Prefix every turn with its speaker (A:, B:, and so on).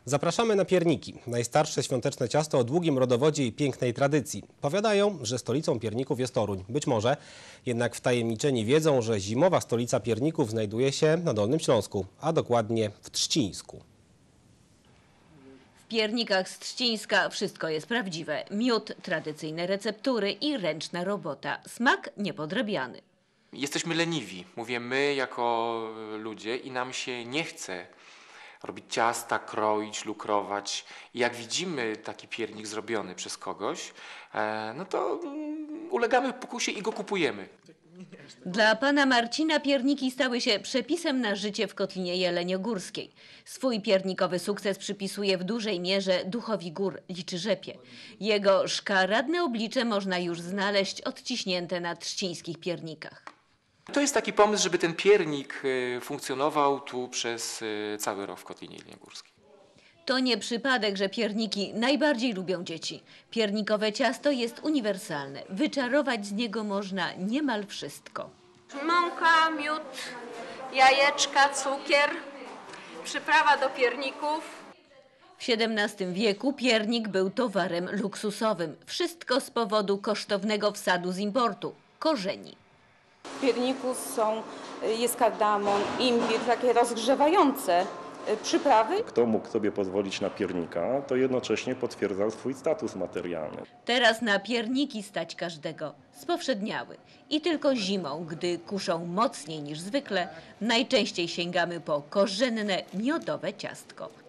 A: Zapraszamy na pierniki. Najstarsze świąteczne ciasto o długim rodowodzie i pięknej tradycji. Powiadają, że stolicą pierników jest Toruń. Być może, jednak wtajemniczeni wiedzą, że zimowa stolica pierników znajduje się na Dolnym Śląsku, a dokładnie w Trzcińsku.
B: W piernikach z Trzcińska wszystko jest prawdziwe. Miód, tradycyjne receptury i ręczna robota. Smak niepodrabiany.
C: Jesteśmy leniwi, mówię my jako ludzie, i nam się nie chce robić ciasta, kroić, lukrować. I jak widzimy taki piernik zrobiony przez kogoś, no to ulegamy pokusie i go kupujemy.
B: Dla pana Marcina pierniki stały się przepisem na życie w Kotlinie Jeleniogórskiej. Swój piernikowy sukces przypisuje w dużej mierze duchowi gór Liczyrzepie. Jego szkaradne oblicze można już znaleźć odciśnięte na trzcińskich piernikach.
C: To jest taki pomysł, żeby ten piernik funkcjonował tu przez cały rok w Kotlinie Jeleniogórskiej.
B: To nie przypadek, że pierniki najbardziej lubią dzieci. Piernikowe ciasto jest uniwersalne. Wyczarować z niego można niemal wszystko.
D: Mąka, miód, jajeczka, cukier, przyprawa do pierników.
B: W XVII wieku piernik był towarem luksusowym. Wszystko z powodu kosztownego wsadu z importu – korzeni.
E: W pierniku jest kardamon, imbir, takie rozgrzewające przyprawy.
F: Kto mógł sobie pozwolić na piernika, to jednocześnie potwierdzał swój status materialny.
B: Teraz na pierniki stać każdego. Spowszedniały. I tylko zimą, gdy kuszą mocniej niż zwykle, najczęściej sięgamy po korzenne, miodowe ciastko.